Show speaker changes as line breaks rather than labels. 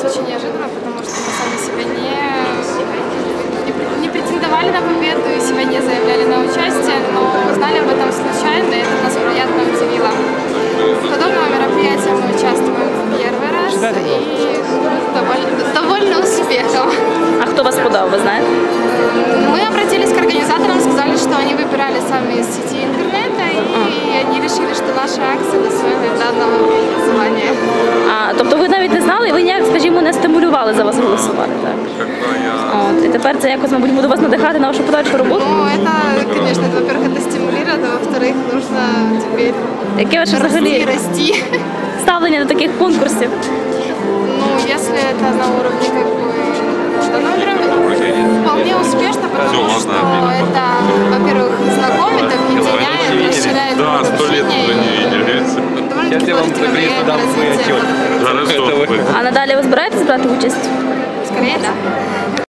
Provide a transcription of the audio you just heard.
очень неожиданно, потому что мы сами себя не претендовали на победу и себя не заявляли на участие, но узнали об этом случайно, и это нас приятно удивило. В подобном мероприятии мы участвуем в первый раз и довольно успехом.
А хто вас подав, ви знаєте?
Мы обратились к организаторам, сказали, что они выбирали сами из сети интернета, и они решили, что наша акция достойна данного звания.
Тобто ви навіть не знали, і ви ніяк, скажімо, не стимулювали за вас голосувати, так? От, і тепер це якось, мабуть, буде вас надихати на вашу подальшу роботу?
Ну, это, конечно, во-первых, это стимулирует, а во-вторых, нужно теперь
Яке ваше взагалі
расти.
ставлення до таких конкурсів?
Ну, если это на уровне как бы вполне успешно, потому что это, во-первых, знакомит, объединяет, расширяет общение. Довольно-таки положительно влияет на развитие.
А надалі ви збираєтесь брати участь?
Скорее, да.